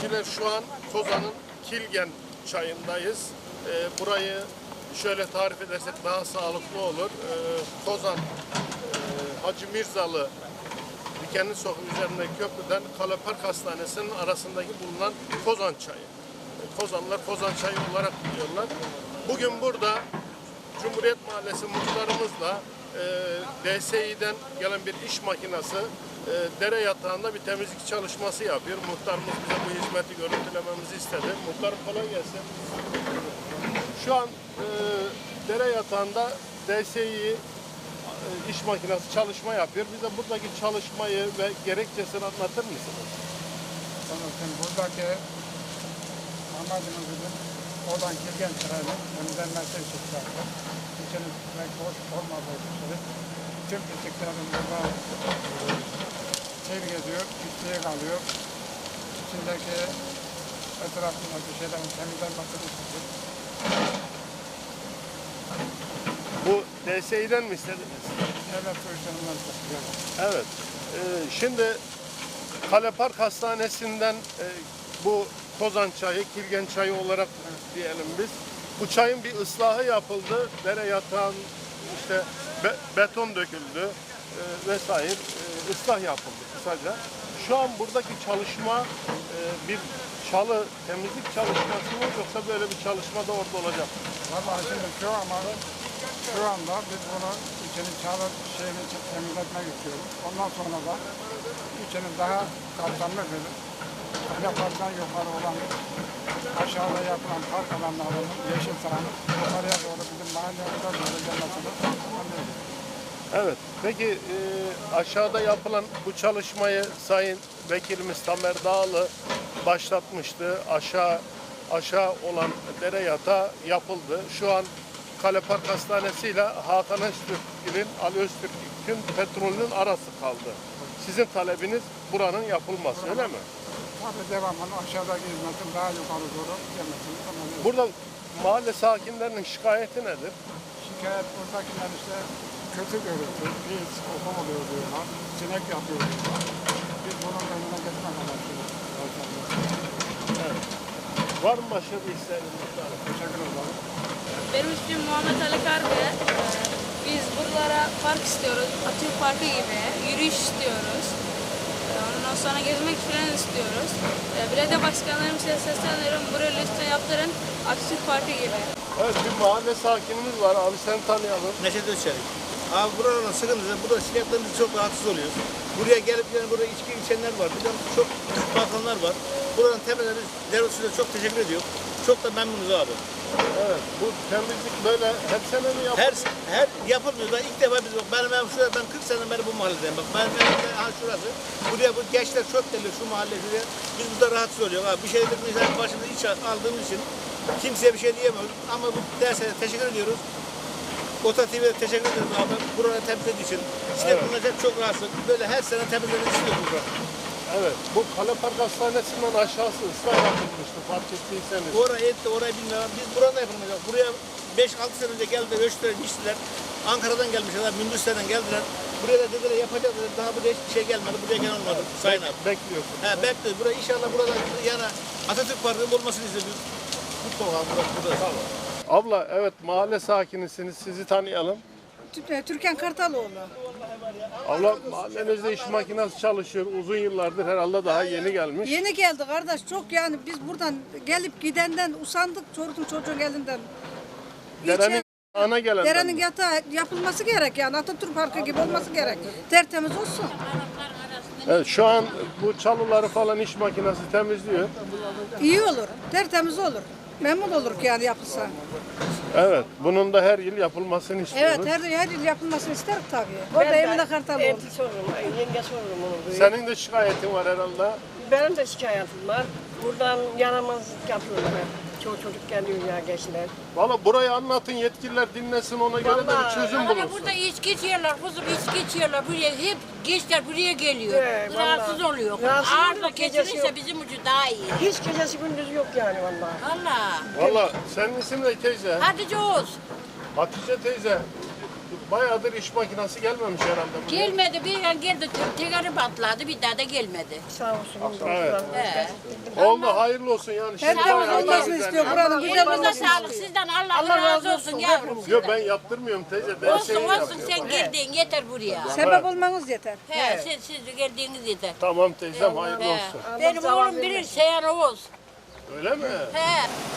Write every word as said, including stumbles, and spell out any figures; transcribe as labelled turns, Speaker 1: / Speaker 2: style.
Speaker 1: seyirciler, şu an Kozan'ın Kilgen çayındayız. Ee, burayı şöyle tarif edersek daha sağlıklı olur. Ee, Kozan e, Hacı Mirzalı Dikenli Sokak üzerindeki köprüden Kale Park Hastanesi'nin arasındaki bulunan Kozan çayı. Ee, Kozanlılar Kozan çayı olarak biliyorlar. Bugün burada Cumhuriyet Mahallesi muhtarımızla e, D S İ'den gelen bir iş makinesi e, dere yatağında bir temizlik çalışması yapıyor. Muhtarımız bize bu hizmeti görüntülememizi istedi. Muhtarım kolay gelsin. Şu an e, dere yatağında D S İ e, iş makinesi çalışma yapıyor. Bize buradaki çalışmayı ve gerekçesini anlatır mısınız?
Speaker 2: Sanırım buradaki amacımız bizim oradan Kilgen çayını temizlenmesi için zaten. İçinin pek boş olmadığı için tüm pisliklerin burada çevir ediyor, pisliğe kalıyor. İçindeki etrafındaki şeylerin temizlenmesi için.
Speaker 1: Bu D S İ'den mi istediniz?
Speaker 2: Evet, soyuşlarından istiyor.
Speaker 1: Evet. Ee, şimdi Kale Park Hastanesi'nden e, bu Kozan çayı, Kilgen çayı olarak diyelim biz. Bu çayın bir ıslahı yapıldı. Dere yatağın işte be, beton döküldü e, vesaire e, ıslah yapıldı kısaca. Şu an buradaki çalışma e, bir çalı temizlik çalışması mı yoksa böyle bir çalışma da orada olacak mı?
Speaker 2: Vallahi şimdi şu ama şu anda biz bunu içinin çalı şeyini temizletmek istiyoruz. Ondan sonra da içinin daha kapsamlı bir yapardan yukarı olan aşağıda yapılan park alanlarının yeşil sahanın yukarıya doğru bizim mahallemize doğru gelmesini anlıyoruz.
Speaker 1: Evet. Peki e, aşağıda yapılan bu çalışmayı Sayın Vekilimiz Tamer Dağlı başlatmıştı. Aşağı aşağı olan dere yatağı yapıldı. Şu an Kale Park Hastanesi ile Hakan Öztürk'ün, Ali Öztürk'ün petrolünün arası kaldı. Sizin talebiniz buranın yapılması, öyle mi?
Speaker 2: Tabii devamlı aşağıdaki hizmetin daha yukarı doğru gelmesini anlıyoruz.
Speaker 1: Burada mahalle sakinlerinin şikayeti nedir?
Speaker 2: Şikayet buradakiler işte kötü görüntü, pis, koku oluyor diyorlar, sinek yapıyor diyorlar. Biz bunun önüne geçmek amaçlıyız.
Speaker 1: Evet. Var mı başka bir isteğiniz?
Speaker 2: Teşekkür ederim.
Speaker 3: Benim ismim Muhammed Ali Kargı. Biz buralara park istiyoruz. Atatürk Parkı gibi. Yürüyüş istiyoruz. Ondan sonra gezmek falan istiyoruz. Belediye başkanlarımıza sesleniyorum. Buraya lütfen yaptırın. Atatürk Parkı gibi.
Speaker 1: Evet, bir mahalle sakinimiz var. Abi seni tanıyalım.
Speaker 4: Neşet Özçelik. Abi buranın sıkıntısı, burada şikayetlerimiz çok rahatsız oluyoruz. Buraya gelip yani burada içki içenler var, bir de çok bakanlar var. Buranın temeleri devletine çok teşekkür ediyor. Çok da memnunuz abi.
Speaker 1: Evet, bu temizlik böyle hep sene mi yapılıyor?
Speaker 4: Her her yapılmıyor. Ben ilk defa biz bak benim evim şurada, ben kırk seneden beri bu mahalledeyim. Bak benim evim de ha şurası. Buraya bu gençler çok geliyor şu mahalle şuraya. Biz burada rahatsız oluyoruz abi. Bir şey dedik mesela başımıza iç aldığımız için kimseye bir şey diyemiyoruz. Ama bu derse teşekkür ediyoruz. Ota T V'ye teşekkür ederim abi. Buranı temizlediği için. İşte
Speaker 1: Evet.
Speaker 4: bunlar hep çok rahatsız. Böyle her sene temizlemek istiyoruz burada.
Speaker 1: Evet, bu Kale Park Hastanesi'nden aşağısı ıslah yapılmıştı, fark ettiyseniz.
Speaker 4: Orayı etti, orayı bilmiyorum. Biz burada yapılmayacak. Buraya beş altı sene önce geldiler, ölçtüler, biçtiler. Ankara'dan gelmişler, Münbüsler'den geldiler. Buraya da dediler yapacağız dediler. Daha buraya hiçbir şey gelmedi, buraya gelen olmadı. Sayın abi.
Speaker 1: Bekliyorsun.
Speaker 4: He, bekliyoruz. Buraya inşallah burada yani Atatürk Parkı'nın olmasını istiyoruz. Mutlu olalım burada. burada. Sağ olun.
Speaker 1: Abla, evet mahalle sakinisiniz, sizi tanıyalım.
Speaker 5: Türkan Kartaloğlu.
Speaker 1: Abla, mahallenizde iş makinesi çalışıyor, uzun yıllardır herhalde daha yeni gelmiş.
Speaker 5: Yeni geldi kardeş, çok yani biz buradan gelip gidenden usandık çocuğun çocuğun elinden.
Speaker 1: Derenin ana gelen.
Speaker 5: Derenin yatağı yapılması gerek yani Atatürk Parkı gibi olması gerek. Tertemiz olsun.
Speaker 1: Evet, şu an bu çalıları falan iş makinesi temizliyor.
Speaker 5: İyi olur, tertemiz olur. Memnun oluruz yani yapılsa.
Speaker 1: Evet, bunun da her yıl yapılmasını istiyoruz.
Speaker 5: Evet, her, her yıl yapılmasını isterim tabii. O da Emine Kartaloğlu.
Speaker 6: Elti sorurum, yenge sorurum onu.
Speaker 1: Senin de şikayetin var herhalde.
Speaker 6: Benim de şikayetim var. Buradan yaramaz yapıyorlar. Çoğu çocuk geliyor ya gençler.
Speaker 1: Valla burayı anlatın, yetkililer dinlesin, ona göre de bir
Speaker 6: Vallahi.
Speaker 1: çözüm
Speaker 7: Ama
Speaker 1: bulunsun.
Speaker 7: burada içki içiyorlar, kuzum içki içiyorlar. Buraya hep gençler buraya geliyor.
Speaker 6: He,
Speaker 7: Rahatsız
Speaker 6: vallahi.
Speaker 7: oluyor.
Speaker 6: Rahatsız
Speaker 7: Ağırlık
Speaker 6: oluyor, gecesi
Speaker 7: kesilirse
Speaker 6: yok.
Speaker 7: bizim ucu daha iyi.
Speaker 6: Hiç gecesi gündüz yok yani vallahi.
Speaker 7: Valla.
Speaker 1: Valla senin isim ne teyze?
Speaker 7: Hatice Oğuz.
Speaker 1: Hatice teyze. Bayağıdır iş makinesi gelmemiş herhalde buraya.
Speaker 7: Gelmedi bir an geldi tekeri patladı bir daha da gelmedi.
Speaker 6: Sağ olsun.
Speaker 1: Evet.
Speaker 7: He.
Speaker 1: Oldu hayırlı olsun yani. Şimdi
Speaker 5: Herkes
Speaker 1: bayağı
Speaker 5: olmasını
Speaker 1: güzel
Speaker 5: istiyor.
Speaker 1: yani.
Speaker 5: Buranın güzel
Speaker 7: Elinize
Speaker 5: olmasını
Speaker 7: sağlık
Speaker 5: istiyor.
Speaker 7: sizden Allah,
Speaker 6: Allah
Speaker 7: razı
Speaker 6: razı
Speaker 7: olsun
Speaker 6: olsun,
Speaker 7: yavrum.
Speaker 1: Yok
Speaker 7: sizden.
Speaker 1: ben yaptırmıyorum teyze. Ben
Speaker 7: Olsun
Speaker 1: şeyi
Speaker 7: olsun
Speaker 1: yapıyorum.
Speaker 7: sen geldin yeter buraya.
Speaker 5: Sebep olmanız yeter.
Speaker 7: He, siz, siz geldiğiniz yeter.
Speaker 1: Tamam teyzem hayırlı
Speaker 7: He.
Speaker 1: olsun.
Speaker 7: Benim oğlum bilir Seyhan Oğuz.
Speaker 1: Öyle mi?
Speaker 7: He.